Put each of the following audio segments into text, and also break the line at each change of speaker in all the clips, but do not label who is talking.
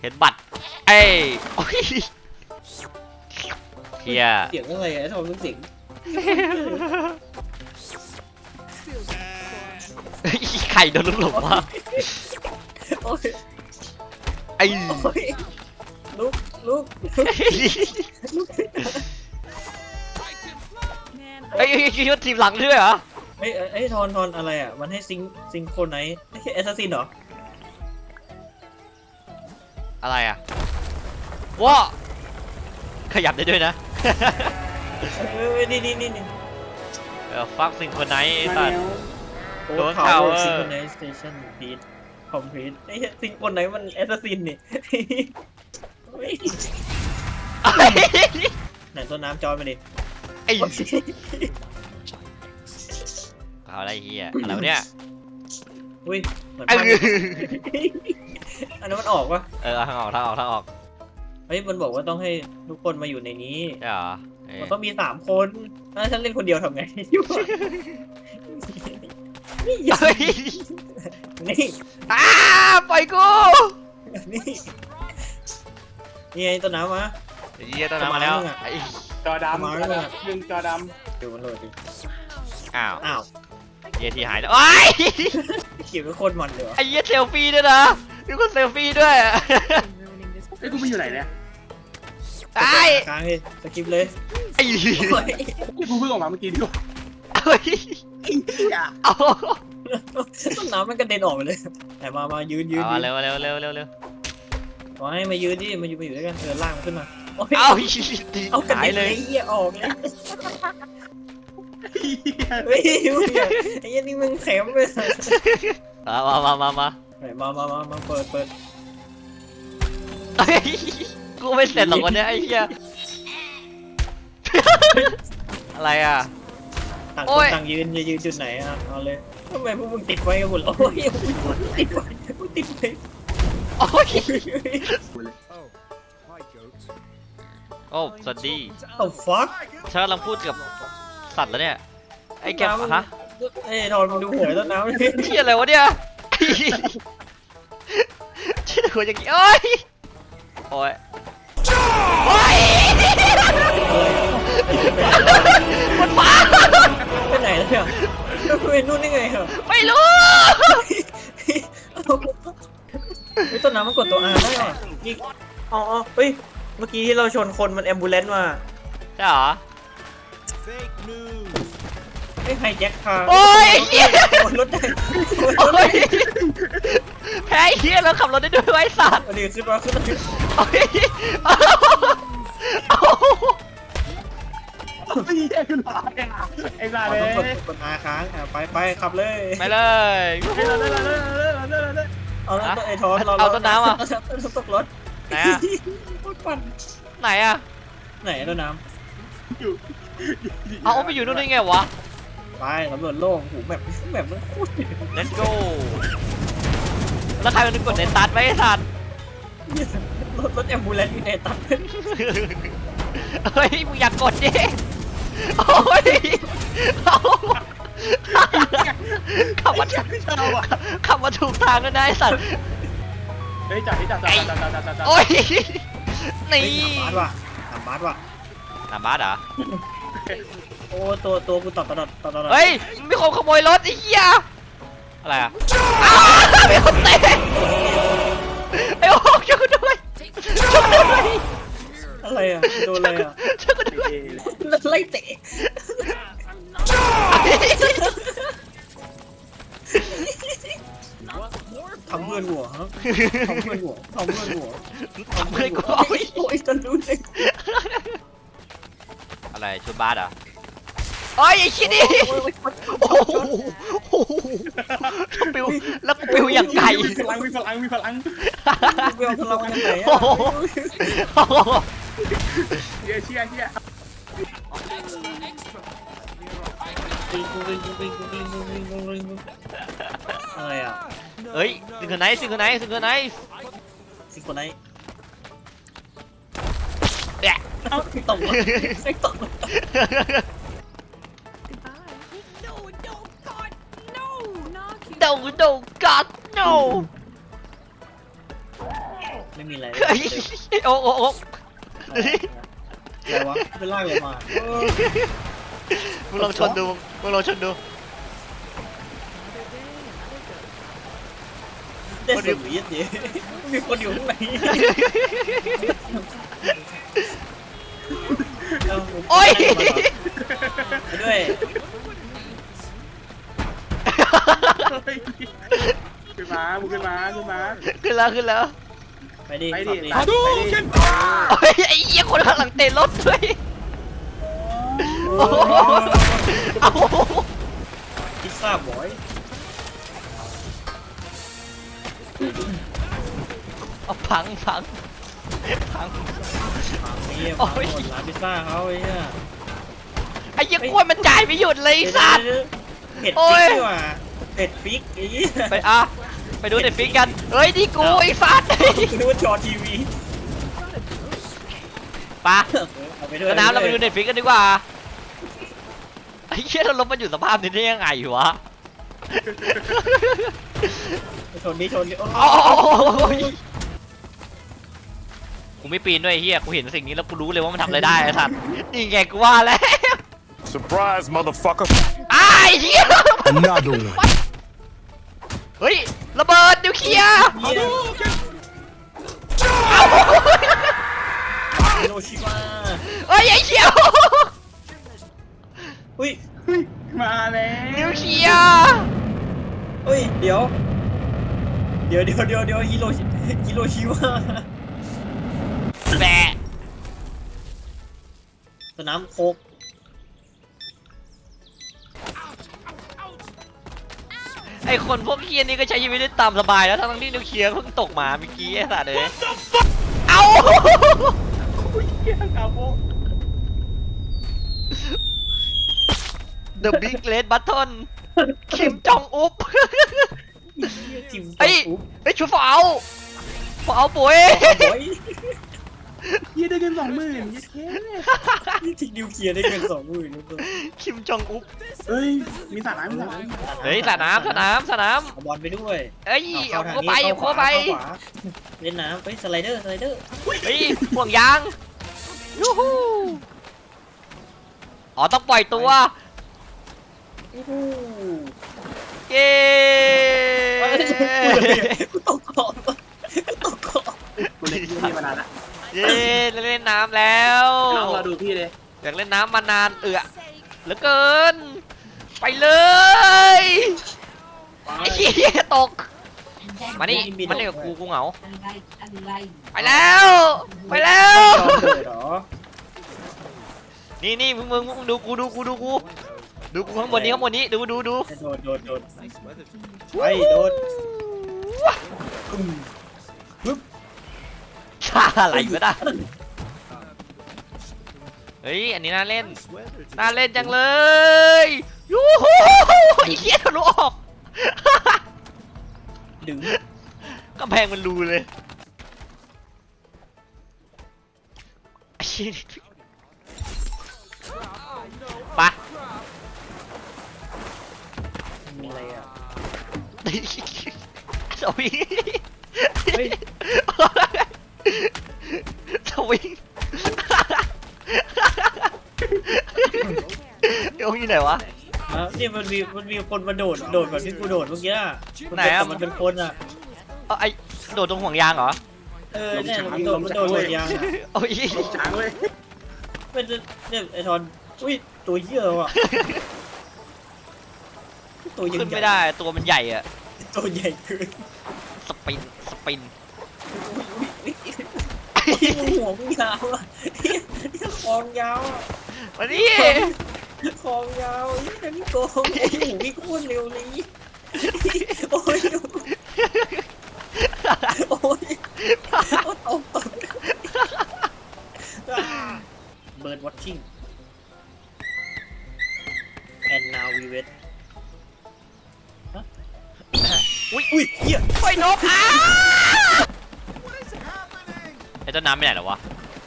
ห็นบัตรไอ้โอ้ยเฮีย
เสียงอะไรอะทำไมมันเสียง
ไข่โดนลูกหลงว่ะ
โอ้ย
ไอ้
โอ้ยลุกลุก
ไอ้คิดว่าทีมหลังด้วยเหรอ
เอ้ยทอนอะไรอ่ะมันให้ซิงโครไนซ์แอสซัสซินเหรอ
อะไรอ่ะว้าขยับได้ด้วยนะ
นี่
ฟักซิงคนไหนไอ้สัตว์
โอ้
โดน
ข่า
ข่าว
ว
เออ
ซิงโครไนซ์สเตชันพีทคอมพลีทไอ้ซิงโครไนซ์มันแอสซัสซินนี่ไหนต้นน้ำจอยมาดิ
ไอ้เอาอะไรเฮียอะไรวะเนี่ย
อุ้ยเหมือน
ไอ้
ภาพอันนั้นมันออกปะ
ทางออก
เฮ้ยมันบอกว่าต้องให้ทุกคนมาอยู่ในนี้
ใช่เหรอ
มันต้องมี3 คนถ้าฉันเล่นคนเดียวทำไงอยู่นี่อย่า
เฮ้ย
นี่
ปล่อยกู
นี่ไงต้นน้ำมา
เฮียต้นน้ำมาแล้วไอ้
จอดำดึงจอด
เดี๋ยวมันโหลดดิ
อ้าว
อ้าว
เฮียทีหายแล้วไอ้
เขียนเป็นคนมันเลยวะ
ไอ้เฮียเซลฟี่ด้วยนะมีคนเซลฟี่ด้วย
ำไอ้กูไปอยู่ไหนเนี่ย
ไอ้
ค้างเลยสกิปเลย
ไอ้
กูเพิ่งออกมาเมื่อกี้ดิว
เฮ้ยเอา
ต้นน้ำมันกระเด็นออกไปเลยแต่มายืน
เร็ว
ขอให้มายืนดิมาอยู่ด้วยกันลากมันขึ้นมาโอ้ย
เอา
กระ
หาย
เด็น
เล
ไอ้
ย
เหี้ยออกเลยเฮ้ยไอ้เหี้ยนี่มึงแข็งเลย มาเปิด
กูไม่เสร็จหรอกวันนี้ไอ้เหี้ยอะไรอ่ะ
ต่าง
โอ้
คน
ย
ต่างยืนยืนจุดไหนอ่ะเอาเลยทำไมพวกมึงติดไฟกันหมดโอ้ยติดไฟ
โอ้ยโอ้สวัสดี
โอ้ฟัก
ฉันกำลังพูดกับสัตว์แล้วเนี่ยไอ้แกฮะ
เอ้ยทอนมึงดูหัวต้นน้ำเลย
เหี้ยอะไรวะเนี่ยชื่อหัวอย่างงี้โอ้ยโอ้ยมันฟ้า
ไปไหนแล้วเนี่ยไปนู่นได้ไงเหรอ
ไม่รู้
ไอ้ต้นน้ำมันกดตัว R ได้เหรอนี่อ๋อเฮ้ยเมื่อกี้ที่เราชนคนมันแอมบูเลนซ์มา
ใช่เหรอ
ไอ้ไฮแจ็คคาร์
โอ้ยเหี้ย
บนรถได้
โอ้ยแพ้เฮียแล้วขับรถได้ด้วยไอ้สัตว์
อันนี้ขึ้นมา
โอ้ยเอา
ไอ้เหี้ยคือหลายไอ้บ้าเลย
ต้องกด R ค้างไปขับเลย
ไปเลย
เอาแล้วไอ้ทอนเรา
เอาต้นน้ำอ่ะ
ตกรถ
ไหนอ่ะ
รถปั่น
ไหนอ่ะ
ไหนต้นน้
เอาไปอยู่นู่นได้ไงวะ
ำไปสำรวจโลกหูแบบมันโคตร
Let's go แล้วใครมันกดในตัดไว้ไอ้สัตว์
รถแอมบูเลนซ์อยู่ในตัด
เฮ้ยมึงอยากกดดิโอ้ยเอาขับมาถูกทางแล้วนะไอ้สัตว์
เฮ้ยจับจับ
โอ้ยนี่
ถามบาสว่ะ
หน้าบ้านเหรอ
โอ้ตัวกูตอบตลอด
เฮ้ยมีคนขโมยรถไอ้เหี้ยอะไรอ่ะอ้าวมีคนเตะไอ้โอ๊กช่วยกูด้วยช่วยกูด้วย
อะไรอ่ะโดนอะไรอ่ะ
ช่วยกูด้วย
ไล่เตะทำเพื่อนหัวฮะทำเพื่อนหัว
ทำเพื่อนกูโอ้ย
โอ้ยจะรู้เลย
อะไรชุดบาสเหรอโอ้ยไอ้ชิ้นนี่โอ้โหปิวแล้วปิวอย่างไก่
มีพลัง
เวลพลังกันไหน
โอ้
อ่ะ
โห
เชี่ย
อะไรอ่ะ
เฮ้ยซิงเกิลไนท์
สิคนไหน
เนี่ย
เอ้าตกไม่ตก
โดกัด no
ไม่มีอะไร
เฮ้ยโอ๊กโอ๊กโอ๊ก
อะไรวะเป็นลากเลยมา
มึงลองชนดูมึงลองชนดู
ได้สุดยิดดิมีคนอยู่ข้างใน
โอ๊ย
ไปด้วย
ขึ้นมามึงขึ้นมาขึ้นมา
ขึ้นแล้วขึ้นแล้ว
ไปดิ
ไปดิ
ขับ
ไปดิ
โอ้ยไอ้เหี้ยคนข้างหลังเตะรถด้วยโอ้โหเอา
พิซซ่าบอย
เอาพังพังพัง
นี่
โอ้
พัง
ย
หมดร้านพิซซ่าเขาไอ้เนี่ย
ไอ้เหี้ยกล้วยมันจ่ายไม่หยุดเลยไอ้สัตว์
เผ็ด
โอ้
ฟิ
ย
กดีกว่าเผ็ดฟิกไอ้เหี้ย
ไปอ่ะไปดูเน็ตฟิกกันเฮ้ยนี่กูไอ้สัตว์
นึกว่าจอทีวี
ปะ
เอาไปด้วย
สนามเราไปดูเน็ตฟิกกันดีกว่าไอ้เหี้ยเราลบมันอยู่สภาพนี้ได้ยังไงวะ
ชนดิชนดิโอ้
โอ้ยกูไม่ปีนด้วยไอ้เหี้ยกูเห็นสิ่งนี้แล้วกูรู้เลยว่ามันทำอะไรได้ไอ้สัตว์นี่ไงกูว่าแล้ว
Surprise, motherfucker.
ไอ้เหี้ย
Another one.
เฮ้ยระเบิดนิวเคลียร์
เหี้ย
เอ้า
ฮิโรชิมา
เฮ้ยไอ้เหี้ย
อุ้ย
เฮ้ยมาแล้ว
นิวเคลียร์
เฮ้ยเดี๋ยวฮิโรชิมา
แบะ
สนามโคก
ไอคนพวกเคียนี่ก็ใช้ชีวิตได้ตามสบายแล้วทั้งที่นิวเคลียร์เพิ่งตกมาเมื่อกี้ไอ้สัตว์เลยเอ้า
เฮียกาโบ
The Big Red Button คิมจองอุบ
ทีม
ไอ้ไอ้ชูฝาวฝาวปุ๋ย
โอ้ย
เฮียได้เงิน20,000ยี่แค่
ทีนิวเคลียร์ได้เงิน20,000นะตัว
คิมจองอุบ
เฮ้ยมีสระน้ำมีสระน้ำ
เฮ้ยสนาม
เอาบอลไปด้วย
เอ้ยเอาเข้าไป
เล่นน้ำไปสไลเดอร์
เฮ้ยห่วงยางยูฮูอ๋อต้องปล่อยตัว
อู้หู
เย้
กูตกเกาะกูตกเกาะ
กูเล่นที่มานานละ
เย้เล่นน้ำแล้ว
น้องเราดูพี่เลย
อยากเล่นน้ำมานานเหลือเกิน ไปเลยไอ้เหี้ยตกมานี่กับกูเหงาไปแล้วนี่มึงดูกูดูกูข้างบนนี้ดู
โดดไปโดด
ชาอะไรก็ได้เฮ้ยอันนี้น่าเล่นจังเลยยูฮูไอ้เหี้ยทะลุออก
ดึง
กำแพงมันรูเลยไอ้เหี้ยปะ
มีอะไรอ่ะ
สวิง
เฮ้ย
สวิงโยงอยู่ไหนวะ
นี่มันมีคนมาโดดแบบที่กูโดดเมื่อกี้
ไหนอะ
มันเป็นคนอ่ะ
ไอ้โดดตรงห่วงยางเหรอ
เนี่ยมันโดดยาง
โอ้ย
ลงช้างเว้ย
เป็นเนี่ยไอทอนอุ้ยตัวเหี้ยว่ะตัวยัง
ขึ้น
ใหญ่
ไม่ได้ตัวมันใหญ่อะ
ตัวใหญ่เกิน
สปิน
มึงหัวมึงยาวอ่ะคองยาวอ่ะ
มานี่
คองยาวนี่นี่โกงโอ้โหวิ่งโคตรเร็วเลยโอ้ยโอ้ยตกเบิร์ดวอทชิ่ง and now we wait อุ้ยเหี้ย
ไฟนกไอ้ต้นน้ำไปไหนหรอวะ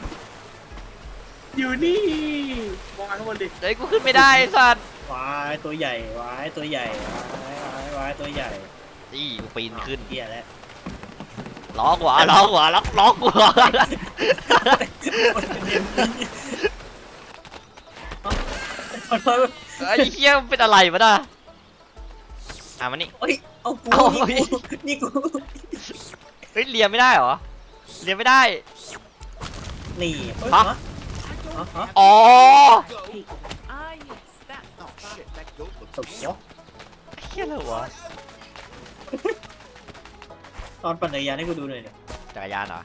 อยู่นี่มองข้างบนดิ
เฮ้ยกูขึ้นไม่ได้ไอ้สัตว์
วายตัวใหญ่วายตัวใหญ่วายตัวใหญ่
นี่กูปีนขึ้น
เหี้ยแล้ว
รล้อหัวล้อหัวล้อหัว
ขอโทษ
ไอ้เหี้ยมันเป็นอะไรวะน่ะมานี่
เอ้ยเอากู
เอา
นี่กู
เฮ้ยเลียไม่ได้เหรอเลียไม่ได้
นี่เฮ้ย
ฮะ
ฮะฮะ
อ๋อ
ตบเนาะ
เหี้ยอะไรวะ
ตอนปั่นจักรยานให้กูดูหน่อยเนี่ย
จักรยานเหรอ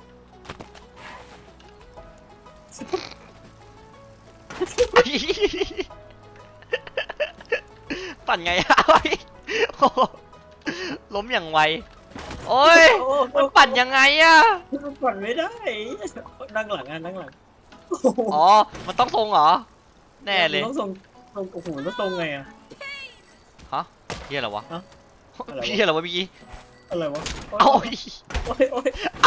ปั่นไงอะโอ้ยโอ้โหล้มอย่างไวโอ้ย
โอ้
มันปั่นยังไงอะ
มันปั่นไม่ได้นั่งหลังนั่งหลัง
อ๋อมันต้องทรงเหรอแน่เลย
ต้องส่งโอ้โหแล้วตรงไงอะ
ฮะเหี้ยอะไรวะ
ฮะอะไรวะ
เหี้ยอะไรวะเมื่อกี้
อะไรวะ
เอ้า
โอ้ยโอ้ย
เอ้า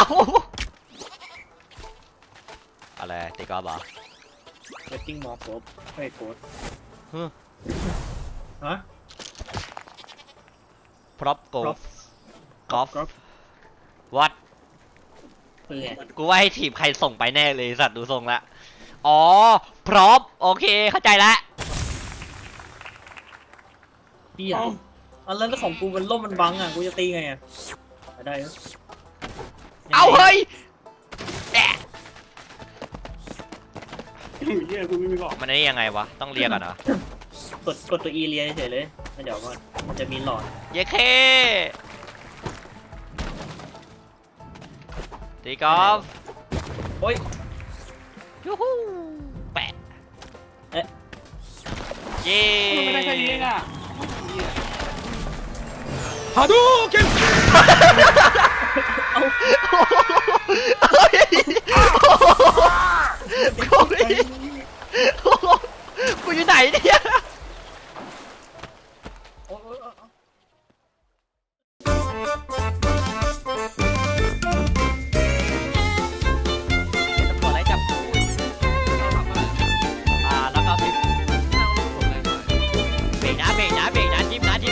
อะไรตีกอล์ฟเหรอ
เวทติ้งมอร์โคบเฮ้ยโค้ด
ฮึ
ฮะ
พร็อพโก
prop
กอล์ฟ
กอล์ฟ
วัด
คือไง
กูว่าให้ทีมใครส่งไปแน่เลยสัตว์ดูทรงละอ๋อพร็อพโอเคเข้าใจละ
พี่อะอันแล้วของกูมันล่มมันบังอะกูจะตีไงอะได้เหรอ
เอาเฮ้ยแอะ
เฮียกูไม่มีบอก
มันนี่ยังไงวะต้องเรียกก่อนเหรอก
ดตัว E เลียเฉยเลยแล้วเดี๋ยวก่อนมันจะมีหลอด
เย้เคตีกอล์ฟ
โอ้ย
ยูฮูแปะ
เอ๊ะ
เย้
ไม่ได้แค่นี้เองอ่ะฮาดูเก็บ
เฮ้ยกูอยู่ไหนเนี่ย
โอ้ยโอ้ยโอ้ย
ตำรวจไล่จับกูแล้วก็พิมพ์เบรกนะจิ้มนะจิ้ม